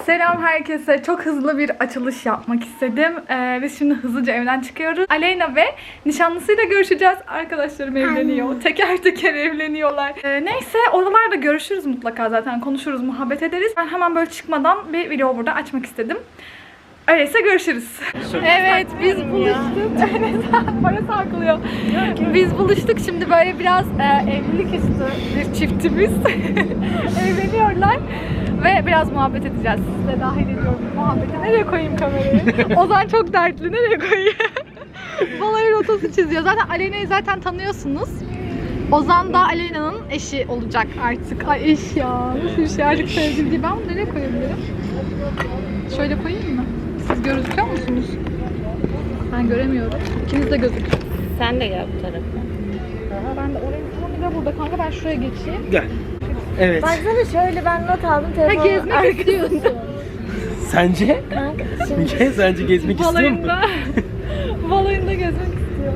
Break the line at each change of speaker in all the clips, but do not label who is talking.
Selam herkese. Çok hızlı bir açılış yapmak istedim. Biz şimdi hızlıca evden çıkıyoruz. Aleyna ve nişanlısıyla görüşeceğiz. Arkadaşlarım evleniyor. Teker teker evleniyorlar. Neyse oralarda görüşürüz mutlaka zaten. Konuşuruz, muhabbet ederiz. Ben hemen böyle çıkmadan bir video burada açmak istedim. Öyleyse görüşürüz. Evet biz buluştuk. Para saklıyor. Biz buluştuk şimdi böyle biraz evlilik üstü bir çiftimiz. Evleniyorlar. Ve biraz muhabbet edeceğiz. Siz de dahil ediyorum muhabbete. Nereye koyayım kamerayı? Ozan çok dertli. Nereye koyayım? Balayı rotası çiziyor. Zaten Aleyna'yı zaten tanıyorsunuz. Ozan da Aleyna'nın eşi olacak artık. Ay eş ya. Nasıl bir şey artık sevgili değil. Ben bunu nereye koyabilirim? Şöyle koyayım mı? Siz gözüküyor musunuz? Ben göremiyorum. İkiniz de gözüküyor.
Sen de gel bu tarafa.
Ben de oraya bir de burada kanka ben şuraya geçeyim.
Gel. Evet.
Baksana şöyle ben not aldım
Ha
telefonu.
gezmek istiyorsun.
Sence?
Kanka şimdi
Sence gezmek istiyor musun?
Balayında. Balayında gezmek istiyor.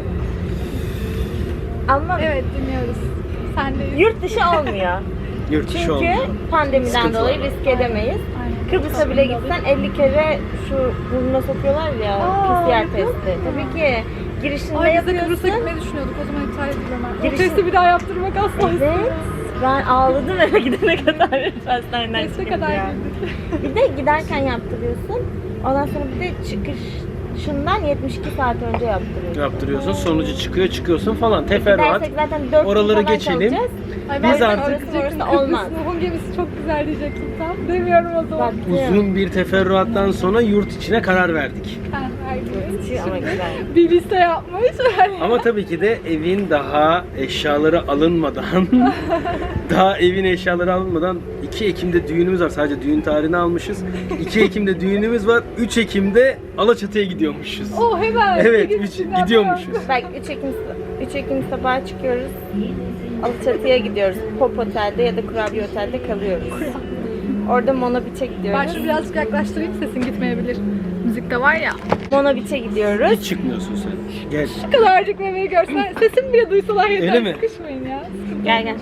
ama
Evet dinliyoruz. Sendeyiz.
yurt dışı olmuyor.
Yurt dışı
Çünkü
olmuyor.
pandemiden
Sıkıntı
dolayı
var.
risk edemeyiz.
Aynen.
Kıbrıs'a bile gitsen 50 kere şu burnuna sokuyorlar ya PCR
yapıyor
testi. Tabii ki girişinde
Ay biz de
yapıyorsun.
Kıbrıs'a gitmeyi düşünüyorduk. O zaman iptal ediyorum ben. O
Girişin-
testi bir daha yaptırmak asla istemem.
Evet. Ben ağladım eve gidene kadar hastaneden
Teste
çıkınca.
kadar girdik.
Bir de giderken yaptırıyorsun. Ondan sonra bir de çıkışından 72 saat önce yaptırıyorsun.
Yaptırıyorsun, sonucu çıkıyor, çıkıyorsun falan. Teferruat.
Gidersek zaten 4 gün
Oraları
falan
geçelim.
kalacağız.
Ay
Biz
ben
artık-
diyecektim,
Orası olmaz.
Kıbrıs Nuh'un gemisi çok güzel diyecektim tam. Demiyorum o zaman.
Bak,
Uzun bir teferruattan sonra yurt içine karar verdik.
Ha, herkes.
ama güzel.
Bir liste yapmış.
Ama tabii ki de evin daha eşyaları alınmadan, daha evin eşyaları alınmadan 2 Ekim'de düğünümüz var. Sadece düğün tarihini almışız. 2 Ekim'de düğünümüz var. 3 Ekim'de Alaçatı'ya gidiyormuşuz.
Oh hemen.
Evet,
Bir
3
günden
gidiyormuşuz.
Bak 3 Ekim sabahı çıkıyoruz. Alaçatı'ya gidiyoruz. Pop Otel'de ya da Kurabiye Otel'de kalıyoruz. Orada Mona Beach'e gidiyoruz.
Ben şunu birazcık yaklaştırayım sesin gitmeyebilir. Müzikte var ya.
Mona Beach'e gidiyoruz.
Hiç çıkmıyorsun sen. Gel.
Ne kadarcık bebeği görsen sesimi bile duysalar yeter.
Öyle mi?
Sıkışmayın ya.
Gel gel.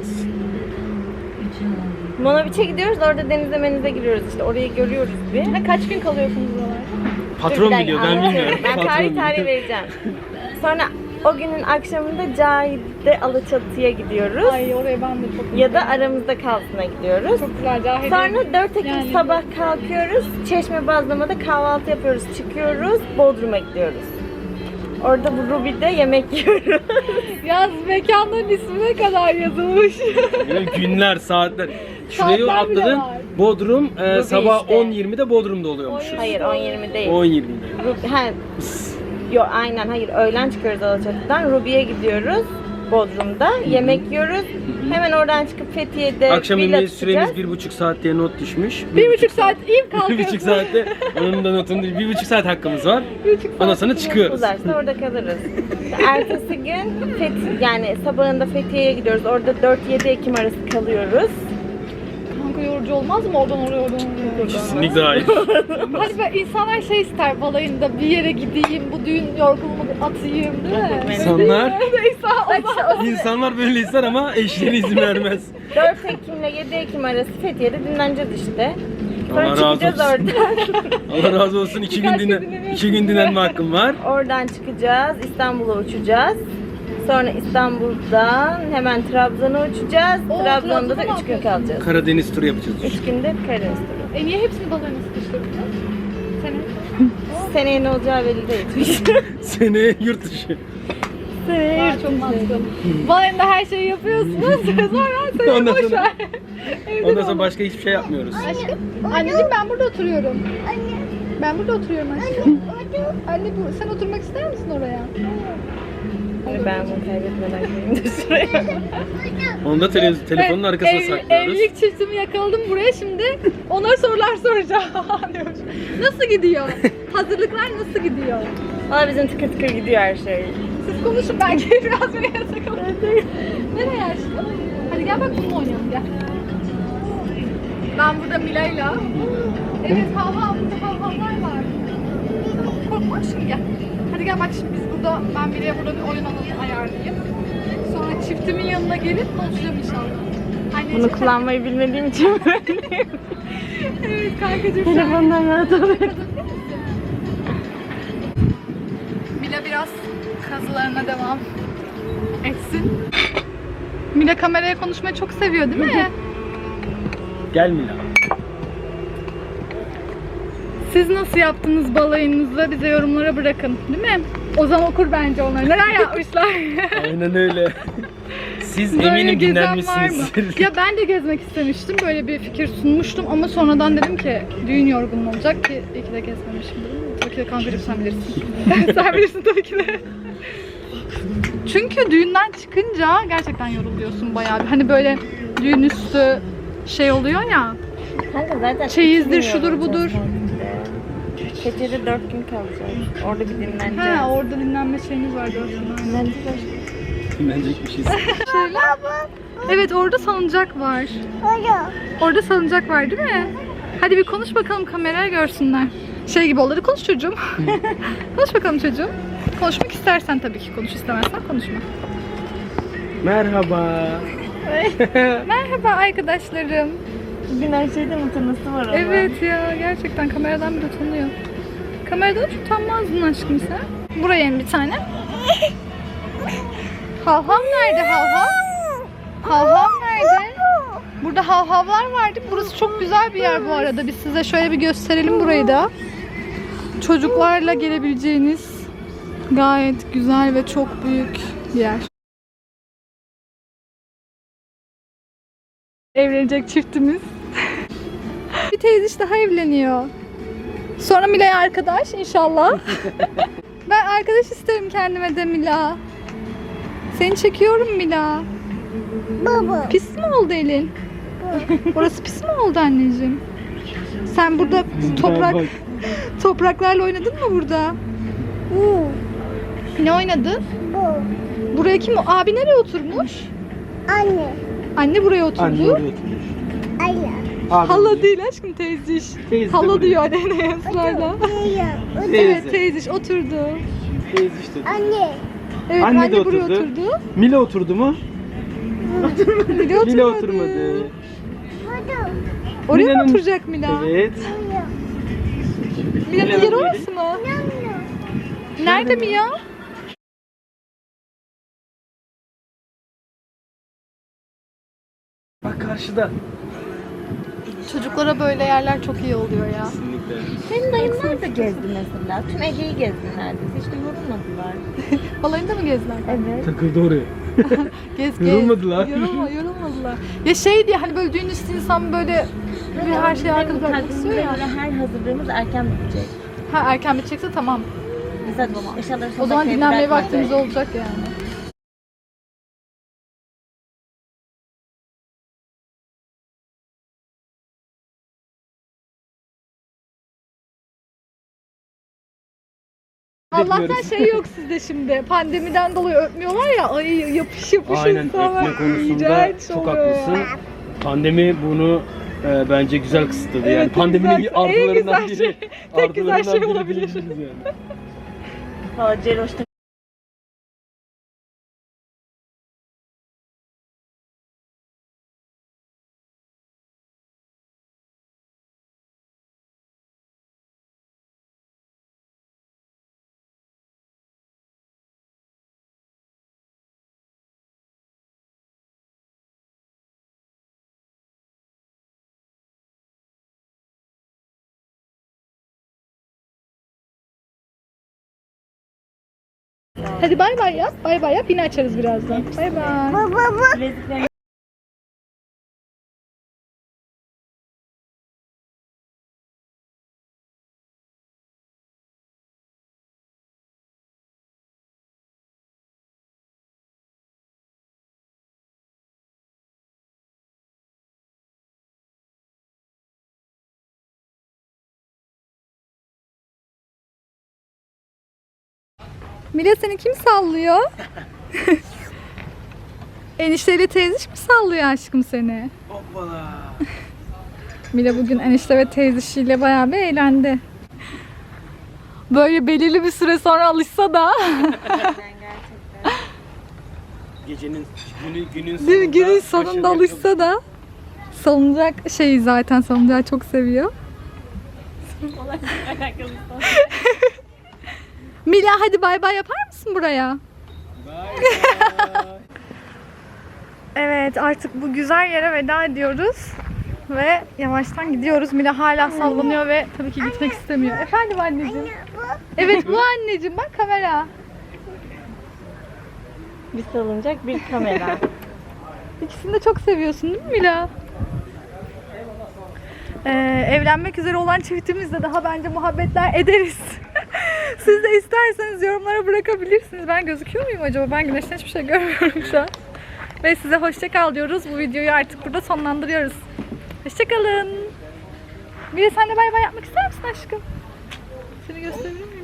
Mona Beach'e gidiyoruz. Orada denize menize giriyoruz. İşte orayı görüyoruz bir.
Ha, kaç gün kalıyorsunuz buralarda?
Patron
Dur, bir
biliyor,
dakika,
ben
anlatıyorum.
bilmiyorum.
Ben
Patron
tarih
biliyor.
vereceğim. Sonra o günün akşamında Cahide Alaçatı'ya gidiyoruz.
Ay oraya ben de çok
Ya da aramızda kalsına gidiyoruz.
çok güzel Cahil.
Sonra 4 Ekim
Yani-
sabah kalkıyoruz. Çeşme Bazlama'da kahvaltı yapıyoruz. Çıkıyoruz. Bodrum'a gidiyoruz. Orada bu Ruby'de yemek yiyoruz.
Yaz mekanların ismine kadar yazılmış.
Böyle günler, saatler. Şurayı
Saatler bile
atladın.
var.
Bodrum sabah
işte.
10.20'de Bodrum'da oluyormuşuz.
Hayır 10-20 değil.
10.20'de.
Aynen hayır öğlen çıkıyoruz Alaçatı'dan. Ruby'ye gidiyoruz. Bodrum'da. Yemek yiyoruz. Hemen oradan çıkıp Fethiye'de
Akşam
villa
yemeği
tutacağız.
süremiz 1,5 saat diye not düşmüş.
1,5 saat iyi
1,5 saatte onun da notunu 1,5 saat hakkımız var.
1,5
Ondan sonra çıkıyoruz.
Uzarsa orada kalırız. Ertesi gün yani sabahında Fethiye'ye gidiyoruz. Orada 4-7 Ekim arası kalıyoruz.
Kanka yorucu olmaz mı oradan oraya?
Kesinlikle hayır.
Hani böyle insanlar şey ister balayında bir yere gideyim, bu düğün yorgunluğumu atayım değil mi?
İnsanlar,
Bak,
insanlar böyle ister ama eşleri izin vermez.
4 Ekim ile 7 Ekim arası Fethiye'de dinleneceğiz işte. Sonra
Allah razı
çıkacağız
olsun.
oradan.
Allah razı olsun. 2 gün
Birkaç gün
dinlen,
dinleniyorsun.
2 gün dinlenme hakkım var.
Oradan çıkacağız. İstanbul'a uçacağız. Sonra İstanbul'dan hemen Trabzon'a uçacağız.
Oo,
Trabzon'da da
Trabzon'a
3 gün kalacağız.
Karadeniz turu yapacağız.
3 günde Karadeniz turu.
Niye hepsini balayına sıkıştırdınız? Senin?
Seneye ne olacağı belli değil.
Seneye yurt dışı.
Seneye
Aa, çok mantıklı. Balayında her şeyi yapıyorsunuz. Sonra seni
Ondan
boş
sonra-
ver. Evde
Ondan
ol.
sonra başka hiçbir şey yapmıyoruz.
Aşkım. Anneciğim ben burada oturuyorum. Ben burada oturuyorum aşkım. Anne bu, sen oturmak ister misin oraya?
Ben bunu kaybetmeden gireyim de şuraya.
Onu da telefonun arkasına saklıyoruz.
Evlilik çiftimi yakaladım buraya şimdi. Ona sorular soracağım. diyormuş. Nasıl gidiyor? Hazırlıklar nasıl gidiyor?
Valla bizim tıkır tıkır gidiyor her şey.
Siz konuşun belki biraz beni yasakalım. Nereye aşkım? Hadi gel bak bunu oynayalım gel. Ben burada Mila'yla. Evet burada havhavlar var. Tamam korkma şimdi gel. Hadi gel bak şimdi biz burada ben Mila'ya burada bir oyun alanı ayarlayayım. Sonra çiftimin yanına gelip konuşacağım inşallah. Anneciğim,
Bunu kullanmayı bilmediğim için
Evet kankacığım.
Telefondan rahat oluyor.
Mila biraz kazılarına devam etsin. Mila kameraya konuşmayı çok seviyor değil mi?
Gel Mila.
Siz nasıl yaptınız balayınızı bize yorumlara bırakın değil mi? Ozan okur bence onları. Neler yapmışlar?
Aynen öyle. Siz
Böyle
eminim
gezen var mı?
dinlenmişsiniz.
Ya ben de gezmek istemiştim. Böyle bir fikir sunmuştum ama sonradan dedim ki düğün yorgunluğu olacak ki iyi ki de gezmemişimdir. Tabii ki de kankacığım sen bilirsin. Sen bilirsin tabii ki de. Çünkü düğünden çıkınca gerçekten yoruluyorsun bayağı bir. Hani böyle düğün üstü şey oluyor ya.
Kanka zaten
Çeyizdir,
2 gün
şudur, budur.
yorulacağız bence. Keçede 4 gün kalacağız. Orada bir dinleneceğiz.
Ha orada dinlenme şeyiniz var diyorsun.
Dinleneceğiz.
Dinlenecek bir şey.
Evet orada salıncak var. Orada salıncak var değil mi? Hadi bir konuş bakalım kameraya görsünler. Şey gibi oldu. Hadi konuş çocuğum. Konuş bakalım çocuğum. Konuşmak istersen tabii ki konuş, istemezsen konuşma.
Merhaba.
Merhaba arkadaşlarım.
Bugün her şeyden utanması var ama.
Evet ya gerçekten kameradan bir utanıyor. Kameradan hiç utanmazdın aşkım sen. Buraya in bir tane. Havhav nerede havhav? Havhav nerede? Burada havhavlar vardı. Burası çok güzel bir yer bu arada. Biz size şöyle bir gösterelim burayı da. Çocuklarla gelebileceğiniz gayet güzel ve çok büyük bir yer. Evlenecek çiftimiz. Bir teyze daha evleniyor. Sonra Mila'ya arkadaş inşallah. Ben arkadaş isterim kendime de Mila. Seni çekiyorum Mila.
Baba.
Pis mi oldu elin? Orası pis mi oldu anneciğim? Sen burada topraklarla oynadın mı burada? Ne oynadın? Buraya kim? Abi nereye oturmuş?
Anne.
Anne buraya oturdu.
Anne oraya oturmuş.
Anne.
Abi
Hala
oraya.
değil aşkım teyziş.
Teyze de
Hala
buraya.
diyor anneye ısrarla. Evet
Teyze.
teyziş oturdu.
Teyze işte.
Anne.
Evet
Anne
anne,
de
buraya
oturdu.
oturdu.
Mila oturdu mu?
Mila oturmadı.
Mila oturmadı.
Oraya mı
Mila'nın-
oturacak Mila?
Evet.
Mila'nın
Mila'nın
yeri
yeri.
orası mı? Nerede Mila?
Bak karşıda.
Çocuklara böyle yerler çok iyi oluyor ya.
Kesinlikle.
Benim dayımlar da gezdi mesela. Tüm Ege'yi gezdi neredeyse. Hiç de yorulmadılar.
Balayında mı gezdiler?
Evet.
Takıldı oraya.
Gez.
Yorulmadılar.
Yorulmadılar. Ya şey diye hani böyle düğün üstü insan böyle bir her şeyi arkada bırakmak istiyor ya.
Her hazırlığımız erken bitecek.
Ha erken bitecekse tamam.
Mesela eşyaları
O zaman
sonuna
dinlenmeye
bırakmadık.
vaktimiz olacak yani. Allah'tan
Bekliyoruz.
şey yok sizde şimdi. Pandemiden dolayı öpmüyorlar ya. Ay yapış yapış
Aynen
insanlar.
öpme konusunda
İğrenç
çok
oluyor ya.
haklısın. Pandemi bunu bence güzel kısıtladı.
Evet,
Yani pandeminin
güzel.
artılarından
En güzel
biri.
şey. Tek güzel
Artılarından
şey
biri
olabilir.
diyebiliriz yani.
Valla Ceroş'ta
Hadi bay bay yap. Bay bay yap. Yine açarız birazdan. Bay bay.
bileziklerini
Mila seni kim sallıyor? Enişteyle teyziş mi sallıyor aşkım seni?
Hoppala.
Mila bugün enişte ve teyzişiyle bayağı bir eğlendi. Böyle belirli bir süre sonra alışsa da
gerçekten.
Gecenin günün
değil mi? Günün
başarıya
sonunda alışsa da Salıncak şeyi zaten salıncağı çok seviyor. Mila hadi bay bay yapar mısın buraya? Evet artık bu güzel yere veda ediyoruz. Ve yavaştan gidiyoruz. Mila hala sallanıyor ve tabii ki gitmek istemiyor. Efendim anneciğim? Evet bu anneciğim bak kamera.
Bir salıncak, bir kamera.
İkisini de çok seviyorsun değil mi Mila? Evlenmek üzere olan çiftimizle daha bence muhabbetler ederiz. Siz de isterseniz yorumlara bırakabilirsiniz. Ben gözüküyor muyum acaba? Ben güneşten hiçbir şey görmüyorum şu an. Ve size hoşça kal diyoruz. Bu videoyu artık burada sonlandırıyoruz. Hoşça kalın. Mila sen de bay bay yapmak ister misin aşkım? Seni gösterebilir miyim?